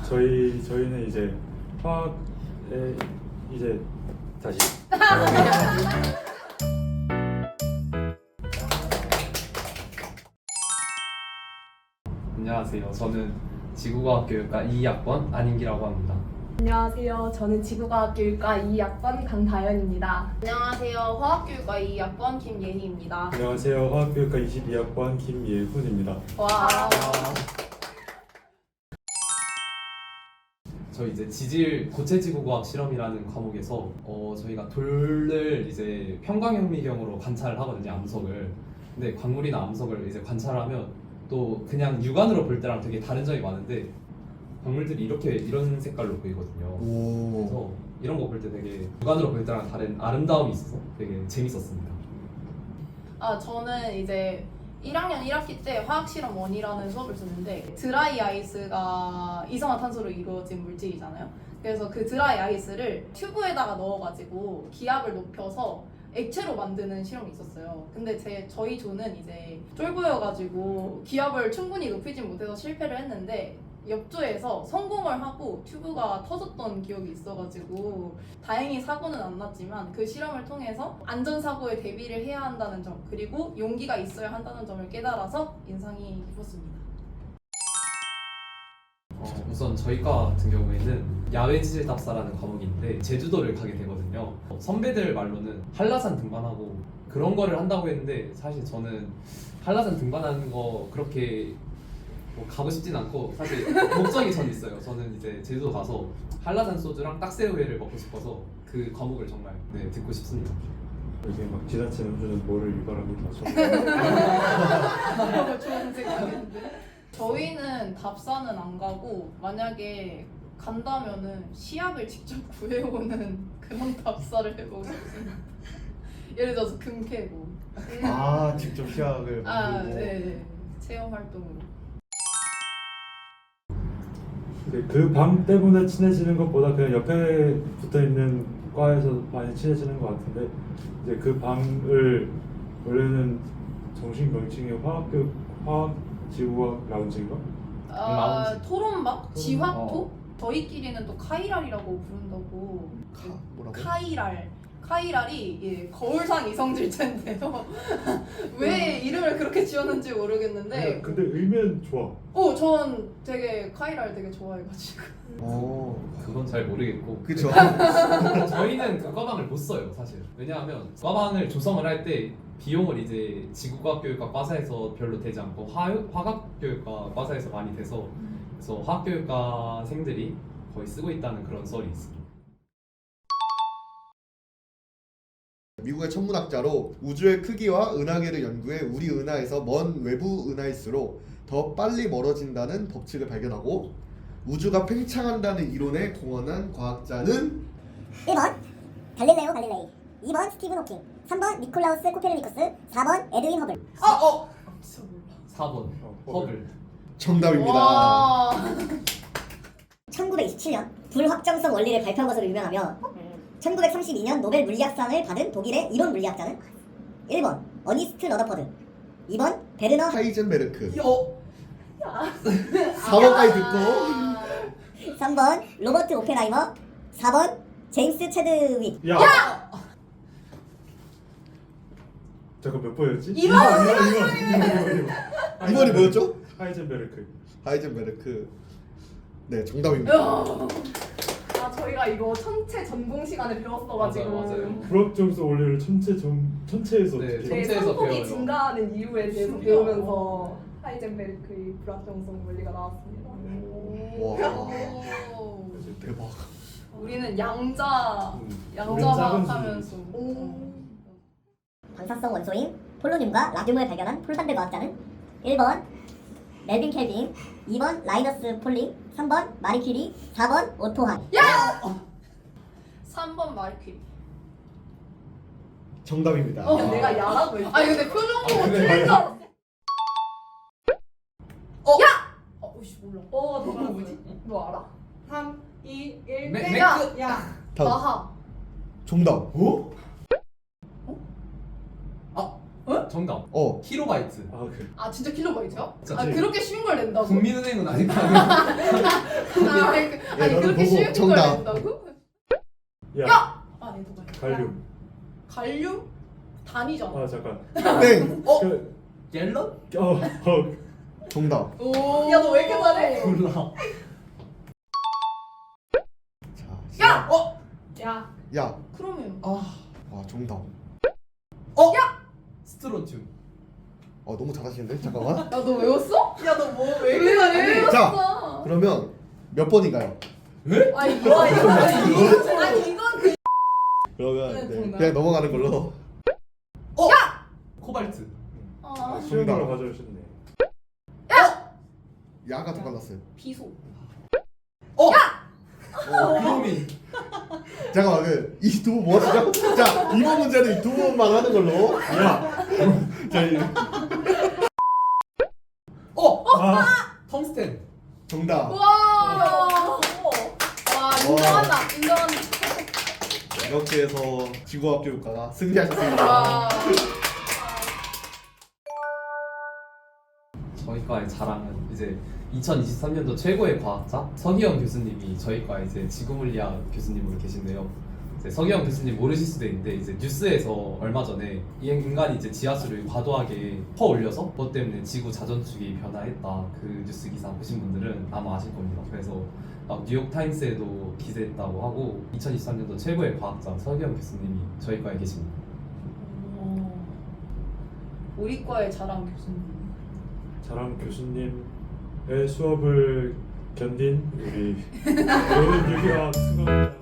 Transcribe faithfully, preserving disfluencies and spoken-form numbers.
저희 저희는 이제 화학에 이제 다시 안녕하세요. 저는 지구과학교육과 이 학번 안인기라고 합니다. 안녕하세요. 저는 지구과학교육과 이 학번 강다현입니다. 안녕하세요. 화학교육과 이 학번 김예희입니다. 안녕하세요. 화학교육과 이십이 학번 김예훈입니다. 와. 저희 이제 지질 고체지구과학 실험이라는 과목에서 어, 저희가 돌을 이제 평광현미경으로 관찰을 하거든요. 암석을. 근데 광물이나 암석을 이제 관찰하면 또 그냥 육안으로 볼 때랑 되게 다른 점이 많은데 광물들이 이렇게 이런 색깔로 보이거든요. 오. 그래서 이런 거 볼 때 되게 육안으로 볼 때랑 다른 아름다움이 있어서 되게 재밌었습니다. 아, 저는 이제 일 학년 일 학기 때 화학실험 일이라는 수업을 듣는데 드라이 아이스가 이산화탄소로 이루어진 물질이잖아요. 그래서 그 드라이 아이스를 튜브에다가 넣어가지고 기압을 높여서 액체로 만드는 실험이 있었어요. 근데 제 저희 조는 이제 쫄보여가지고 기압을 충분히 높이진 못해서 실패를 했는데 옆조에서 성공을 하고 튜브가 터졌던 기억이 있어가지고 다행히 사고는 안 났지만 그 실험을 통해서 안전사고에 대비를 해야 한다는 점 그리고 용기가 있어야 한다는 점을 깨달아서 인상이 깊었습니다. 어, 우선 저희과 같은 경우에는 야외 지질 답사라는 과목인데 제주도를 가게 되거든요. 어, 선배들 말로는 한라산 등반하고 그런 거를 한다고 했는데 사실 저는 한라산 등반하는 거 그렇게 뭐 가고 싶진 않고 사실 목적이 전 있어요. 저는 이제 제주도 가서 한라산 소주랑 딱새우회를 먹고 싶어서 그 과목을 정말 네, 듣고 싶습니다. 이게 막 지나치게 음주는 뭐를 유발합니다. 좋은 생각인데 저희는 답사는 안 가고 만약에 간다면은 시약을 직접 구해오는 그런 답사를 해보고 싶습니다. 예를 들어서 금 캐고 아, 직접 시약을 아, 만들고. 네. 체험 활동으로. 그 방 때문에 친해지는 것보다 그냥 옆에 붙어 있는 과에서 많이 친해지는 것 같은데 이제 그 방을 원래는 정식 명칭이 화학교 화학지구학 라운지인가? 아, 라운지. 토론방? 지화토? 어. 저희끼리는 또 카이랄이라고 부른다고. 카, 뭐라고? 카이랄. 카이랄이 예, 거울상 이성질체인데요. 왜 이름을 그렇게 지었는지 모르겠는데 근데 의미는 좋아. 어, 전 되게 카이랄 되게 좋아해가지고. 오. 그건 잘 모르겠고 그쵸. 저희는 그 과방을 못 써요 사실. 왜냐하면 과방을 조성을 할 때 비용을 이제 지구과학교육과 과사에서 별로 되지 않고 화, 화학교육과 과사에서 많이 돼서 그래서 화학교육과생들이 거의 쓰고 있다는 그런 썰이 있습니다. 미국의 천문학자로 우주의 크기와 은하계를 연구해 우리 은하에서 먼 외부 은하일수록 더 빨리 멀어진다는 법칙을 발견하고 우주가 팽창한다는 이론에 공헌한 과학자는 일 번 갈릴레오 갈릴레이, 이 번 스티븐 호킹, 삼 번 니콜라우스 코페르니쿠스, 사 번 에드윈 허블. 아, 어! 진짜 몰라. 사 번 어, 허블. 정답입니다. 와. 천구백이십칠 년 불확정성 원리를 발표한 것으로 유명하며 천구백삼십이 년 노벨 물리학상을 받은 독일의 이론 물리학자는 일 번 어니스트 러더퍼드, 이 번 베르너 하이젠베르크. 여. 사 번까지 듣고 삼 번 로버트 오펜하이머, 사 번 제임스 체드윅. 야! 야! 잠깐 몇 번이었지? 이 번! 이 번, 이 번, 이 번, 이 번. 이 번이 뭐였죠? 하이젠베르크. 하이젠베르크. 네, 정답입니다. 아, 저희가 이거 천체 전공 시간에 배웠어가지고 맞아요, 맞아요. 불확정성 원리를 천체 점 천체에서 네, 어떻게? 제 천체에서 상폭이 배워요. 증가하는 이유에 대해서 신기하다. 배우면서 하이젠베르크의 불확정성 원리가 나왔습니다. 와. 오. 대박. 우리는 양자 음. 양자막 작은 하면서 방사성 원소인 폴로늄과 라듐을 발견한 폴란드 과학자는 일 번 멜빈 켈빈, 이 번 라이너스 폴링, 삼 번 마리 퀴리, 사 번 오토 한. 삼 번 마리퀴리. 정답입니다. 어, 내가 야라고 했어. 아니 근데 표정 보고 아, 근데 틀린 줄 알았어. 어? 야! 어, 오씨 몰라. 어, 너 뭐지? 너 알아? 삼, 이, 일, 맥- 땡! 야! 야! 다음. 나하. 정답. 어? 정답. 어. 킬로바이트. 아 그래. 아 진짜 킬로바이트야? 진짜 아 그렇게 쉬운 걸 낸다고? 국민은행은 아니고. 아, 아니, 그- 아니 너는 그렇게 보고 쉬운 걸 정답. 낸다고? 야, 아 얘도 봐요. 갈륨. 갈륨? 단위잖아. 아 잠깐. 땡. 어? 그, 갤런? 어, 어. 정답. 오. 야 너 왜 이렇게 잘해? 몰라. 자, 야! 어? 야 야. 크로미움. 아. 와, 정답. 어? 스트론튬. 어, 너무 잘하시는데? 잠깐만. 야 너 외웠어? 야 너 뭐 왜 이렇게 잘해? 자, 그러면 몇 번인가요? 왜? 아 이거 이거 이거 아니 이건 그 그러면 네, 네, 정답. 그냥 넘어가는 걸로. 코발트. 아, 쉬운 정답. 걸로 가져오셨네. 야가 더 빨랐어요. 비소. 어? 어, 크로민. 잠깐만, 그, 이 두 분 뭐 하시죠? 자, 이번 문제는 이 두 분만 하는 걸로. 야. 자, 이- 어? 아, 텅스텐. 정답. 와. 와 인정한다. 인정한다. 이렇게 해서 지구학교육과가 승리하셨습니다. 와. 저희 과의 자랑은 이제 이천이십삼 년도 최고의 과학자 서기영 교수님이 저희 과 이제 지구물리학 교수님으로 계신데요. 이제 서기영 교수님 모르실 수도 있는데 이제 뉴스에서 얼마 전에 이 인간이 이제 지하수를 과도하게 퍼 올려서 그것 때문에 지구 자전축이 변화했다 그 뉴스 기사 보신 분들은 아마 아실 겁니다. 그래서 막 뉴욕 타임스에도 기재했다고 하고 이천이십삼 년도 최고의 과학자 서기영 교수님이 저희 과에 계십니다. 오. 우리 과의 자랑 교수님. 자랑 교수님의 수업을 견딘 우리 모든 유기학 수강자.